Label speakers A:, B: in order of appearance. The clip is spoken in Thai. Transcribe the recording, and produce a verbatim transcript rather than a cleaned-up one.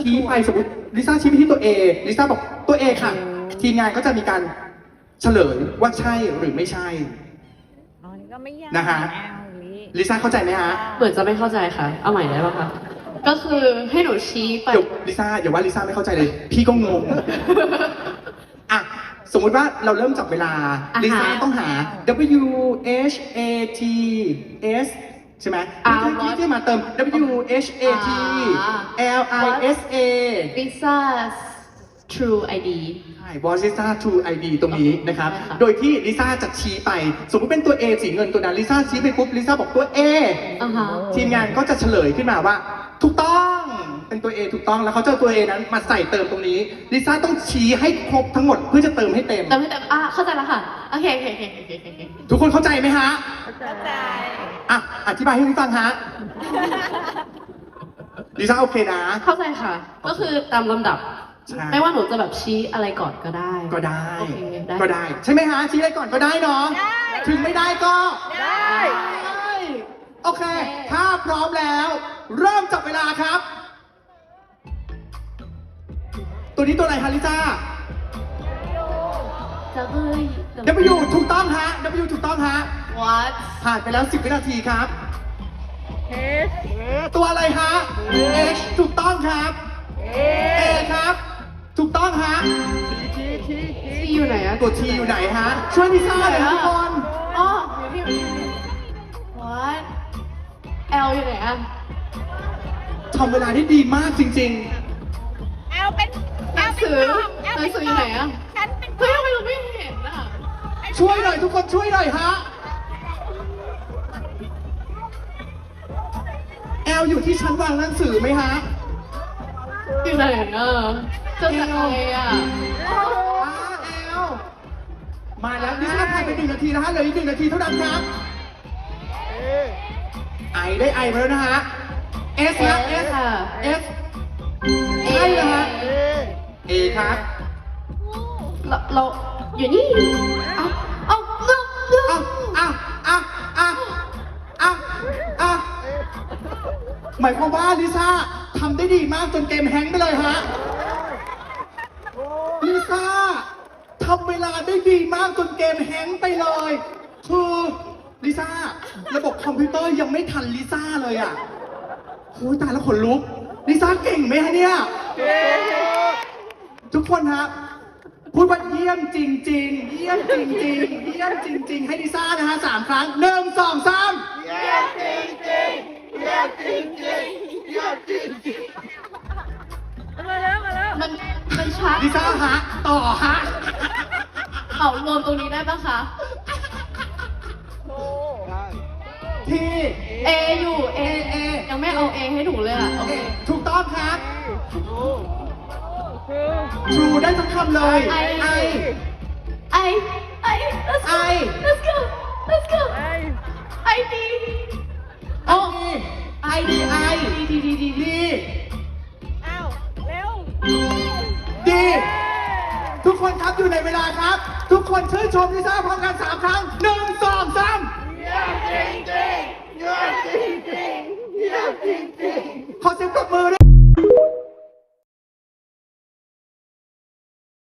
A: ชี้ไปสมมติลิซ่าชี้ไปที่ตัว A ลิซ่าบอกตัว A ค่ะ ทีมงานก็จะมีการเฉลยว่าใช่หรือไม่ใช่
B: อ๋อนี่ก็ไม่ยาก
A: นะฮะ ลิซ่าเข้าใจไหมฮะ
C: เหมือนจะไม่เข้าใจค่ะ เอาใหม่ได้ปะคะ ก็คือให้หนูชี้ไป
A: เดี๋ยวลิซ่าอย่าว่าลิซ่าไม่เข้าใจเลย พี่ก็งง อ่ะ สมมุติว่าเราเริ่มจับเวลา
C: อ่าฮะ
A: ลิซ่าต้องหา W H A T S ใช่ไหม
C: อ่า
A: ที่ที่มาเติม W H A T L I S A
C: Lisa's True ไอ ดี
A: ใช่ What is Lisa True ไอ ดี ตรงนี้นะครับ
C: ใช่ค่ะ
A: โดยที่ลิซ่าจะชี้ไป สมมติเป็นตัว A สีเงินตัวนั้นลิซ่าชี้ไปปุ๊บลิซ่าบอกตัว A
C: อ่าฮะ
A: ทีมงานก็จะเฉลยขึ้นมาว่า ถูกต้องเป็นตัว A ถูกต้องแล้วเขาจะเอาตัว A นั้นมาใส่เติมตรงนี้ลิซ่าต้องชี้ให้ครบทั้งหมดเพื่อจะเติมให้เต็ม
C: เติมให้เต็มอ่ะเข้าใจแล้วค่ะ โอเคโอเคโอเคโอเคโอเค
A: ทุกคนเข้าใจไหมฮะ
B: เข้าใจ
A: อ่ะอธิบายให้ฟังฮะลิซ่าโอเคนะ
C: เข้าใจค่ะ ก็คือตามลำดับ
A: ใช่
C: ไม่ว่าหนูจะแบบชี้อะไรก่อนก็ได้
A: ก็ได้
C: โอเคได้
A: ก็ได้ ใช่ไหมฮะชี้อะไรก่อนก็ได้เนาะ
B: ได้
A: ถึงไม่ได้ก็
B: ได้
A: ได้โอเค ถ้าพร้อมแล้ว เริ่มจับเวลาครับ ตัวนี้ตัวอะไรฮะลิซ่า
C: จะเฮ้ย
A: W ถูกต้องฮะ W ถูกต้องฮะ
C: what
A: ผ่านไปแล้วสิบวินาทีครับ
B: เฮส
A: ตัวอะไรฮะ H ถูกต้องครับ
B: เอ
A: A ครับ ถูกต้องฮะ
B: ทีที
C: ที่อยู่ไหนอะ
A: ตัว T อยู่ไหนฮะ ช่วยลิซ่าหน่อยนะทุกคน
C: อ๋ออยู่นี่อยู่นี่ what L อยู่ไหนอะ
A: ทำเวลาได้ดีมากจริง
B: แอลเป็น
C: หนังสือหนังสืออยู่ไหนอะ
B: ฉันเป็น
C: เฮ้ยทำไมเราไม่เห็นอะ
A: ๆ ช่วยหน่อยทุกคนช่วยหน่อยฮะ L อยู่ที่ชั้นวางหนังสือไหมฮะ
C: อยู่ไหนอะเจอจากอะไรอะ
A: อ่า L มาแล้วลิซ่าผ่านไปหนึ่งนาทีนะฮะเหลืออีกหนึ่งนาทีเท่านั้นครับ ไอได้ไอมาแล้วนะฮะ S นะ S
C: ค่ะ
A: S ใช่นะฮะ A ครับ
C: เราเราอยู่นี่เอ้าเอ้าเลือกเลือก
A: อ่ะอ่ะอ่ะอ่ะอ่ะอ่ะหมายความว่าลิซ่าทำได้ดีมากจนเกมแฮงก์ไปเลยฮะ ลิซ่าทำเวลาได้ดีมากจนเกมแฮงก์ไปเลย คือลิซ่าระบบคอมพิวเตอร์ยังไม่ทันลิซ่าเลยอ่ะโอ้ยตายแล้วขนลุก ลิซ่าเก่งไหมฮะเนี่ย ทุกคนฮะพูดว่าเยี่ยมจริง ๆ เยี่ยมจริง ๆ เยี่ยมจริง ๆ ให้ลิซ่านะฮะสามครั้งหนึ่งสองสาม
B: มาแล้วมาแล้ว
C: มันมันชัด
A: ลิซ่าฮะต่อฮะ
C: เอารวมตรงนี้ได้ปะคะ
A: ที่
C: A อยู่ A A ยังไม่เอา A ให้หนูเลยอ่ะโอเค
A: ถูกต้องครับทรูได้ทั้งคำเลย
C: ไอ
A: ไอ
C: I I let's go
A: ไอ
C: let's go let's go
B: ไอ
C: I D
A: โอ้ไอดีไอ
C: D D D D
A: ดี
B: อ้าวเร็ว
A: ดีทุกคนครับอยู่ในเวลาครับ ทุกคนชื่นชมลิซ่าพร้อมกันสามครั้งหนึ่งสองสามขอเสียงปรบมือด้วย